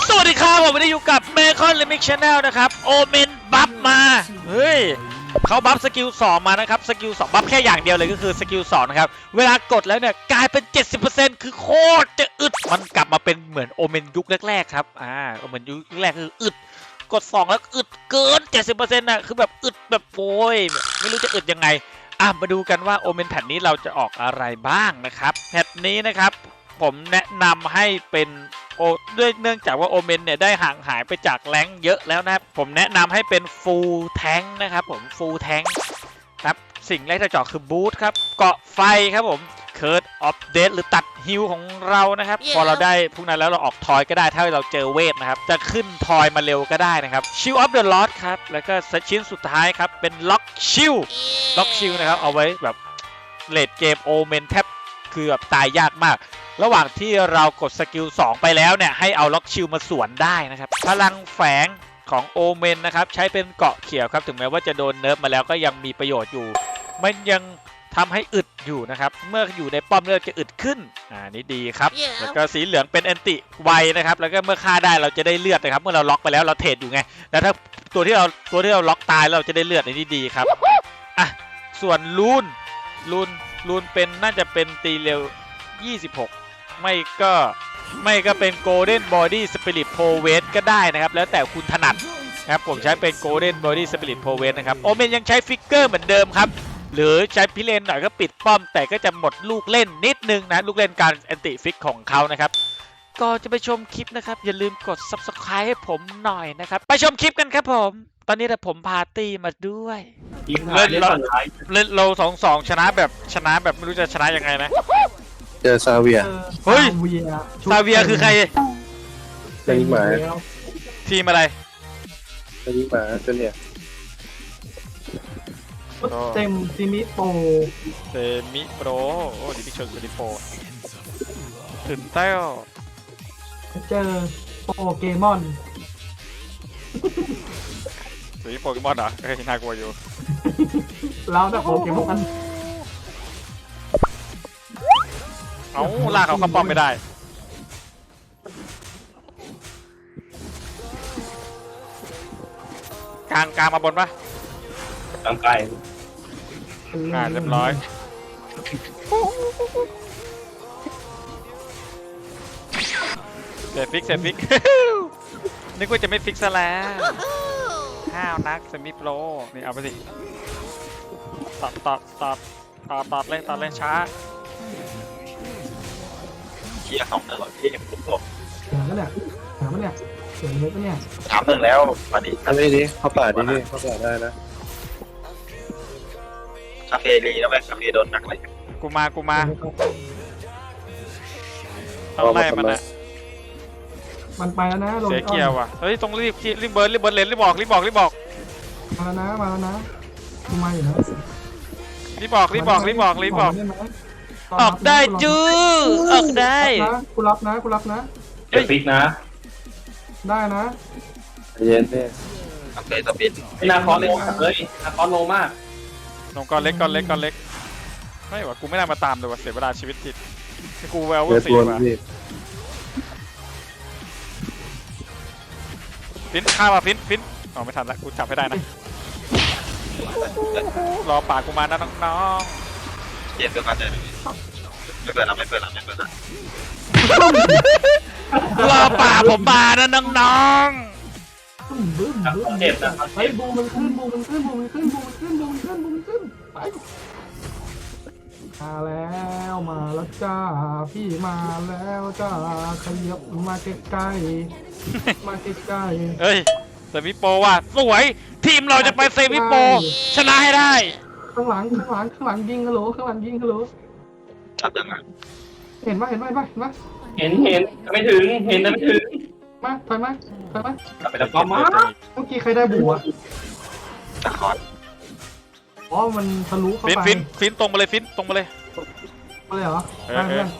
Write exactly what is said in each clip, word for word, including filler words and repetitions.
สวัสดีครับผมวันนี้อยู่กับเมคอนลิมิกชาแนลนะครับโอเมนบัฟมาเฮ้ยเขาบัฟสกิลสองมานะครับสกิลสองบัฟแค่อย่างเดียวเลยก็คือสกิลสองนะครับเวลากดแล้วเนี่ยกลายเป็น เจ็ดสิบเปอร์เซ็นต์ คือโคตรจะอึดมันกลับมาเป็นเหมือนโอเมนยุคแรกๆครับอ่าโอเมนยุคแรกคืออึดกดสองแล้วอึดเกิน เจ็ดสิบเปอร์เซ็นต์ น่ะคือแบบอึดแบบโวยไม่รู้จะอึดยังไงอ่ะมาดูกันว่าโอเมนแพทนี้เราจะออกอะไรบ้างนะครับแพทนี้นะครับผมแนะนำให้เป็นโอด้วยเนื่องจากว่าโอเมนเนี่ยได้ห่างหายไปจากแรงเยอะแล้วนะครับผมแนะนำให้เป็นฟูลแทงนะครับผมฟูลแทงครับสิ่งแรกที่จะเจาะคือบูทครับเกาะไฟครับผมเคิร์ดออฟเดธหรือตัดฮิลของเรานะครับ yeah. พอเราได้พวกนั้นแล้วเราออกทอยก็ได้ถ้าเราเจอเวทนะครับจะขึ้นทอยมาเร็วก็ได้นะครับชิลออฟเดอะลอสครับแล้วก็ชิ้นสุดท้ายครับเป็นล็อกชิลล็อกชิลนะครับเอาไว้แบบเลดเกมโอเมนแทบคือแบบตายยากมากระหว่างที่เรากดสกิลสองไปแล้วเนี่ยให้เอาล็อกชิลมาสวนได้นะครับพลังแฝงของโอเมนนะครับใช้เป็นเกาะเขียวครับถึงแม้ว่าจะโดนเนิร์ฟมาแล้วก็ยังมีประโยชน์อยู่มันยังทำให้อึดอยู่นะครับเมื่ออยู่ในป้อมเลือดจะอึดขึ้นอ่านี่ดีครับ yeah. แล้วก็สีเหลืองเป็นแอนติไวนะครับแล้วก็เมื่อฆ่าได้เราจะได้เลือดนะครับเมื่อเราล็อกไปแล้วเราเทรดอยู่ไงแล้วถ้าตัวที่เราตัวที่เราล็อกตายเราจะได้เลือดในนี้ดีครับอ่ะส่วนลูนลูนลูนเป็นน่าจะเป็นตีเร็วยี่สิบหกไม่ก็ไม่ก็เป็น Golden Body Spirit p o w e t ก็ได้นะครับแล้วแต่คุณถนัดครับผมใช้เป็น Golden Body Spirit p o w e t นะครับโอเมนยังใช้ฟิกเกอร์เหมือนเดิมครับหรือใช้พิเรนหน่อยก็ปิดป้อมแต่ก็จะหมดลูกเล่นนิดนึงนะลูกเล่นการแอนติฟิกของเขานะครับก็จะไปชมคลิปนะครับอย่าลืมกด ซับสไครบ์ ให้ผมหน่อยนะครับไปชมคลิปกันครับผมตอนนี้ผมพาร์ตี้มาด้วยเล่นเราเล่นเราสองสองชนะแบบชนะแบบไม่รู้จะชนะยังไงนะเจอซาเวียเฮ้ยซาเวียคือใครเป็นหมาทีมอะไรเป็นหมาตัวเนี้ยเต็มซิมิโปเซมิโปรโอ้ดิพิชนดิโปตื่นเต้นเจอโปเกมอนเฮ้ยโปเกมอนเหรอเฮ้ยน่ากลัวอยู่เราแต่โปเกมอนเอาลากเขาเข้าป้อมไม่ได้กลางกลางมาบนปะกลางไกลอ่าเรียบร้อยเสร็จฟิกเสร็จฟิกนึกว่าจะไม่ฟิกซะแล้วห้าวนักเซมิโปรนี่เอาไปสิตัดตัดตัดตัดตัดเล่นตัดเล่นช้าเกียร์สองตลอดที่ยังผมบอกถามเนี่ยถามเนี่ยเสียงเล็กเนี่ยถามหนึ่งแล้วมาดิทำได้ดิเข้าป่าดิเข้าป่าได้นะคาเฟ่ดีแล้วไหมคาเฟ่โดนหนักเลยกูมากูมาต้องไล่มันนะมันไปแล้วนะเสียเกียร์ว่ะเฮ้ยต้องรีบรีบเบิร์นรีบเบิร์นเลนรีบบอกรีบบอกรีบบอกมาแล้วนะมาแล้วนะกูมาอยู่นะรีบบอกรีบบอกรีบบอกรีบบอกออกได้จื้อออกได้กูรับนะกูรับนะเฮ้ยฟิกนะได้นะเย็นเนี่ยโอเคสปินนาคอนโลมากเลยนาคอนโลมากลงก้อนเล็กก้อนเล็กก้อนเล็กไม่ว่ากูไม่น่ามาตามเลยว่ะเสียเวลาชีวิตจิตกูแววว่าสี่ว่ะฟินข้ามาฟินฟินอ๋อไม่ทันละกูจับให้ได้นะรอปากกูมานะน้องๆเย็นก็มาเลยไม่เปิดละไม่เปิดละไม่เปิดละรอปากผมมานะน้องๆเจ็บนะไอ้บูมันขึ้นบูมันขึ้นบูมันขึ้นบูมันขึ้นบูมันขึ้นบูมันขึ้นไปมาแล้วมาแล้วจ้าพี่มาแล้วจ้าขยับมาใกล้ๆมาใกล้ๆเฮ้ยเซมิโปว่ะสวยทีมเราจะไปเซมิโปชนะให้ได้ข้างหลังข้างหลังข้างหลังยิงฮัลโหลข้างหลังยิงฮัลโหลชัดยังไงเห็นไหมเห็นไหมเห็นไหมเห็นเห็นไม่ถึงเห็นแต่ไม่ถึงมาถอยมาถอยมากลับไปแล้วก็มาเมื่อกี้ใครได้บัวตะคอนอ๋อมันทะลุเข้าไปฟินฟินตรงมาเลยฟินตรงมาเลยมาเลยเหรอเออ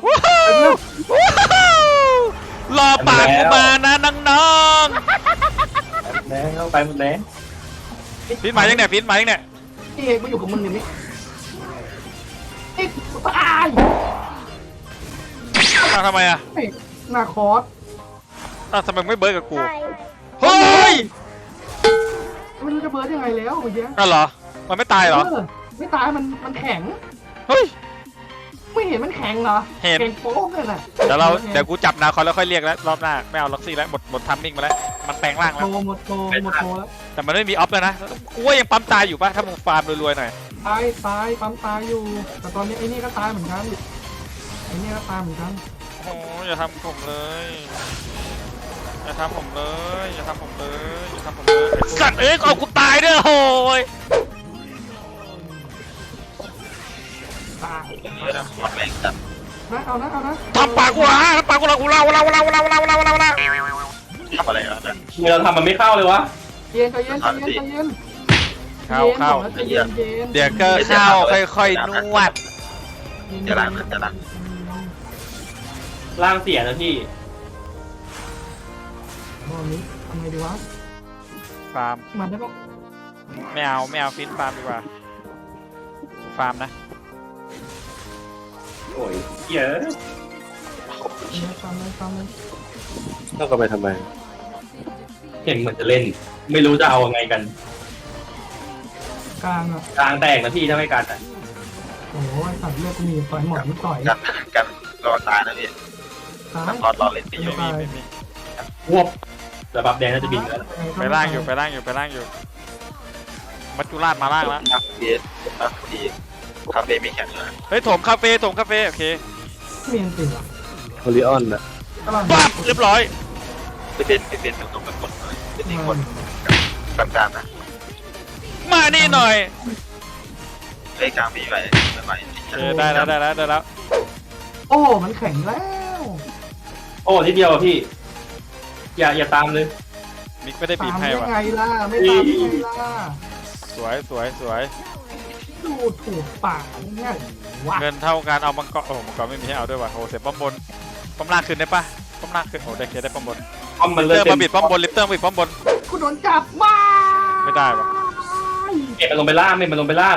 รอปากกูมานะน้องๆแล้วเข้าไปหมดแล้วฟินมายังเนี่ยฟินมายังเนี่ยพี่เอกมาอยู่กับมึงอย่างนี้ไอ้ตายทำไมอ่ะนาคอสอ้าวทำไมไม่เบิร์ดกับกูเฮ้ยไม่รู้จะเบิร์ดยังไงแล้วเมื่อกี้อ้าวเหรอมันไม่ตายเหรอเออไม่ตายมันมันแข็งเฮ้ยไม่เห็นมันแข็งเหรอเห็นแข็งโป๊กเลยน่ะเดี๋ยวเราเดี๋ยวกูจับนาคอนแล้วค่อยเรียกแล้วรอบหน้าไม่เอาล็อกซี่แล้วหมดหมดทัมมิ่งมาแล้วมันแปลงร่างโตแล้วหมดโตหมดโตแล้วแต่มันไม่มีออฟแล้วนะกูว่ายังปั๊มตายอยู่ป่ะถ้ามึงฟาร์มรวยๆหน่อยตายตายปั๊มตายอยู่ แต่ตอนนี้ไอ้นี่ก็ตายเหมือนกันไอ้นี่ก็ตายเหมือนกันโอ้ยอย่าทำผมเลยอย่าทำผมเลยอย่าทำผมเลยอย่าทำผมเลยไอ้สัตว์เอ้ยเอากูตายด้วยโอ้ยตายแม่งจัดนะเอานะเอานะทำปากกูละทำปากกูละกูเล่าเล่าเล่าเล่าเล่าเล่าเล่าเล่าทำอะไรอ่ะเนี่ยทำไมเราทำมันไม่เข้าเลยวะเย็นใจเย็นใจเย็นใจเย็นเข้าเข้าใจเย็นใจเย็นเดี๋ยวก็เข้าค่อยๆนวดจะรักจะรักร่างเสียนะพี่รอบนี้ทำไงดีวะฟาร์มมันได้ปะไม่เอาไม่เอาฟิตฟาร์มดีกว่าฟาร์มนะโอ้ยเยอะเนี่ยตามเลยตามเลยต้องก็ไปทำไมเห็นเหมือนจะเล่น ไม่รู้จะเอายังไงกันกลางอ่ะกลางแตกนะพี่ถ้าไม่กันอ่ะโอ้ยสัตว์เลือดกูมีต่อยหมดนิดต่อยกันกันรอตายนะพี่ตายน้ำพอดรอเล่นไปอยู่ไม่มีไม่มีวบระบับแดงน่าจะบินแล้วไปล่างอยู่ไปล่างอยู่ไปล่างอยู่มัจจุราชมาล่างแล้วนักเบียดนักดีคาเฟ่ไม่แข็งเลยเฮ้ยโถมคาเฟ่โถมคาเฟ่โอเคเมียนติดอ่ะโอริออนนะกำลังปั๊บเรียบร้อยไปเป็นไปเป็นตรงกับคนเลยเป็นอีกคนกลางๆนะมานี่หน่อยเฮ้ยกลางมีไหวไม่ไหวเออได้แล้วได้แล้วได้แล้วโอ้มันแข็งแล้วโอ้นิดเดียวอ่ะพี่ อย่าอย่าตามเลยมิกไม่ได้บีตาบมให้ได้ว่ะไงล่ะไม่ตามได้ไงล่ะสวยสวยสวยดูถูกปากเนี่ยวะเงินเท่ากันเอามังกรโอ้โหมังกรไม่มีให้เอาด้วยว่ะโอ้โหเสียป้อมบนป้อมล่างขึ้นได้ปะป้อมล่างขึ้นโอ้ได้เคได้ป้อมบนป้อมมันลิเลิเตกอร์เต็มาบิดป้อมบนลิเตอร์มาบิดป้อมบนกูโดนจับมาไม่ได้ว่ะเก็บมันลงไปล่างไม่มันลงไปล่าง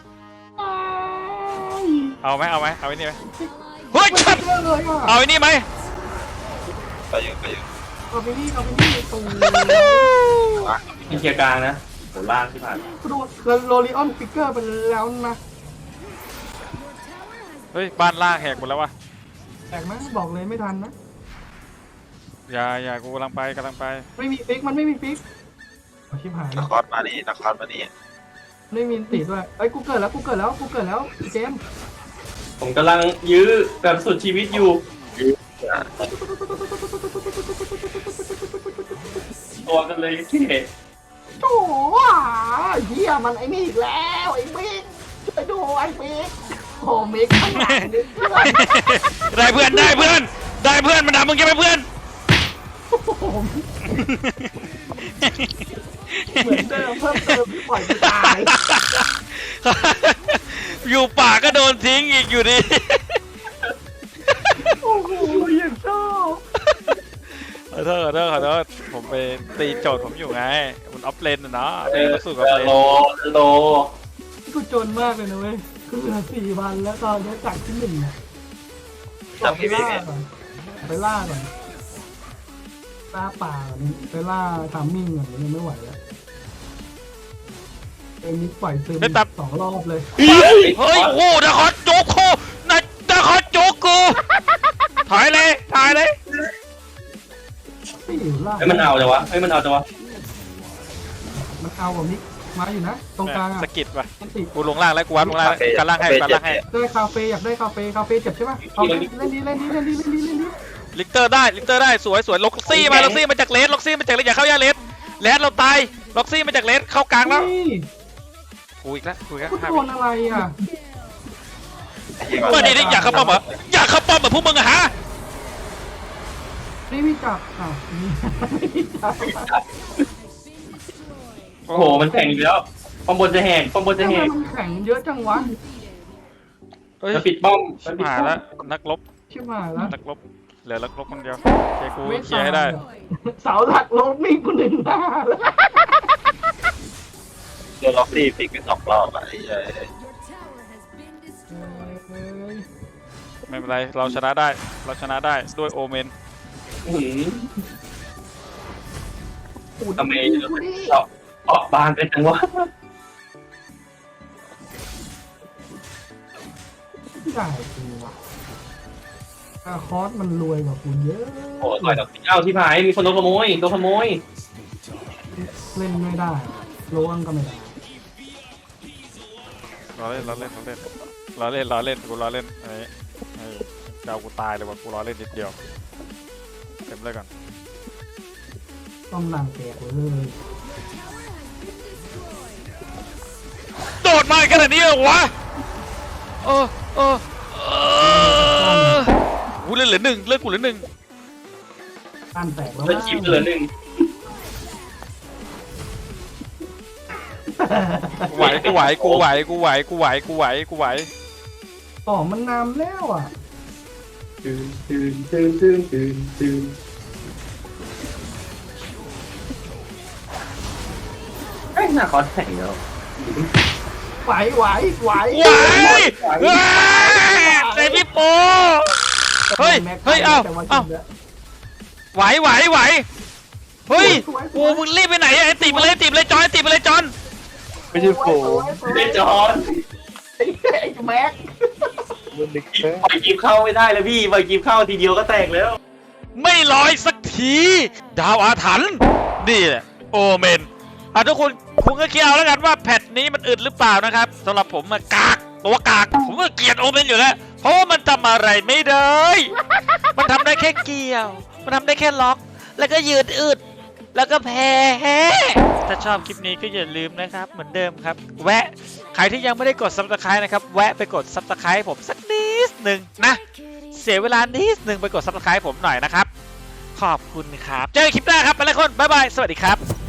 เอาไหมเอาไหมเอาไอ้นี่ไหมเฮ้ยชัดเยอะเลยอ่ะเอาไอ้นี่ไหมไปอยู่ไปอยู่เอาไปนี่เอาไปนี่ตูมีเคลียร์กลางนะโหล่างที่ผ่านกูโดนโรลิออนฟิกเกอร์ไปแล้วนะเฮ้ยบ้านล่างแหกหมดแล้ววะแตกไหมบอกเลยไม่ทันนะอย่าอย่ากูกำลังไปกำลังไปไม่มีฟิกมันไม่มีฟิกเอาชิบหายนครมานี่นครมานี่ไม่มีติดด้วยเอ้ยกูเกิดแล้วกูเกิดแล้วกูเกิดแล้วเจมส์ผมกำลังยื้อแบบสุดชีวิตอยู่ ตัวกันเลยที่โอ้โหเฮียมันไอ้นี่อีกแล้วไอ้มิกช่วยดูไอ้มิกโอ้มิกข้างหลังนี่เพื่อนได้เพื่อนได้เพื่อนได้เพื่อนมันด่ามึงยังไม่เพื่อนโอ้โหเหมือนเดิมเพิ่มเติมที่ปล่อยกูตายอยู่ป่าก็โดนทิ้งอีกอยู่ดีโอ้โหอย่างชอบขอโทษขอโทษขอโทษผมไปตีโจทย์ผมอยู่ไงมันออฟเลนนะเนาะเอตีอมาสู่ออฟเลนโลโลกูจนมากเลยนะเว้ยกูเหลือสี่วันแล้วตอนนี้จากที่หนึ่งอะจำพี่ไปพี่ล่าไงก่อนไปล่าก่อนล่าป่าก่อนไปล่าทามมิ่งก่อนยังไม่ไหวแล้วเอ็มนี่ปล่อยซึมสองรอบเลยเฮ้ยโอ้โหนครโจ๊กโคนนครโจ๊กกูถอยเลยถอยเลยไม่อยู่ล่าเฮ้ยมันเอาจังวะเฮ้ยมันเอาจังวะมันเอากับมิกมาอยู่นะตรงกลางอ่ะสกิดว่ะมันติดกูลงล่างแล้วกูวัดลงล่างแล้วการล่างให้การล่างให้ได้คาเฟ่อยากได้คาเฟ่คาเฟ่เจ็บใช่ปะเอาเล่นเล่นดีเล่นดีเล่นดีเล่นดีเล่นดีลิกเตอร์ได้ลิกเตอร์ได้สวยสวยล็อกซี่มาล็อกซี่มาจากเลสล็อกซี่มาจากเลสอย่าเข้ายาเลสเลสเราตายล็อกซี่มาจากเลสเข้ากลางแล้วนี่กูอีกแล้วกูอีกแล้วกูโดนอะไรอ่ะเมื่อนี้อยากเข้าป้อมเหรออยากเข้าป้อมเหมือนพวกมึงอะฮะนี่มีจับอ่ะนี่ไม่มีจับโอ้โหมันแข่งอีกแล้วป้อมบนจะแหกป้อมบนจะทำแหไมกมันแข็งเยอะจังวะเฮ้ยมันปิดป้อมมัชินบปิดหายป้อมแล้วนักรบชิบหายแล้วนักรบเหลือนักรบคนเดียวเคลียร์กูเคลียร์ให้ได้เสาหลักลงนี่กูหนึ่งหน้าแล้วตัวล็อกซี่ฟิกไปสองรอบอ่ะไอ้ไม่เป็นไรเราชนะได้เราชนะได้ด้วยโอเมนอื้อหือปูดทำไมกูดิเจาะเจาะบานไปจังวะได้กูว่ะอาคอสมันรวยกว่ากูเยอะโอ้ต่อยดอกเอ้าที่พายมีคนโดนขโมยโดนขโมยเล่นไม่ได้ล้วงก็ไม่ได้ล้อเล่นล้อเล่นล้อเล่นล้อเล่นล้อเล่นกูล้อเล่นไอ้ไอ้เจ้ากูตายเลยว่ะกูล้อเล่นนิดเดียวเต็มเลยก่อนต้องนั่งแตกเลยโดดมาขนาดนี้เหรอวะเออเออเออกูเล่นเหลือหนึ่งเลือกกูเหลือหนึ่งตั้นแตกแล้วแล้วชิปเหลือหนึ่งกูไหวกูไหวกูไหวกูไหวกูไหวกูไหวกูไหวต่อมันนำแล้วอ่ะตื่นตื่นตื่นตื่นตื่นตื่นไอ้หน้าคอแข่งแล้วไหวไหวไหวไหวเฮ้ยเซพี่โปเฮ้ยเฮ้ยเอ้าเอ้าไหวไหวไหวเฮ้ยโอ้มึงรีบไปไหนอะไอ้ตีไปเลยตีไปเลยจอนไอ้ตีไปเลยจอนไม่ใช่โผล่เล่นจอนไอ้แม็กปล่อยกีบเข้าไม่ได้เลยพี่ปล่อยกีบเข้าทีเดียวก็แตกแล้วไม่ลอยสักทีดาวอาถรรพ์นี่แหละโอเมนอ่ะทุกคนคุณก็คิดเอาแล้วกันว่าแพทนี้มันอึดหรือเปล่านะครับสำหรับผมมันกากตัวกากผมก็เกลียดโอเมนอยู่แล้วเพราะว่ามันทำอะไรไม่ได้ มันทำได้แค่เกี่ยว มันทำได้แค่ล็อก แล้วก็ยืดอึดแล้วก็แพ้ถ้าชอบคลิปนี้ก็อย่าลืมนะครับเหมือนเดิมครับแวะใครที่ยังไม่ได้กด ซับสไครบ์ นะครับแวะไปกด ซับสไครบ์ ให้ผมสักนิดหนึ่งนะเสียเวลานิดหนึ่งไปกด ซับสไครบ์ ผมหน่อยนะครับขอบคุณครับเจอกันคลิปหน้าครับไปแล้วคนบ๊ายบายสวัสดีครับ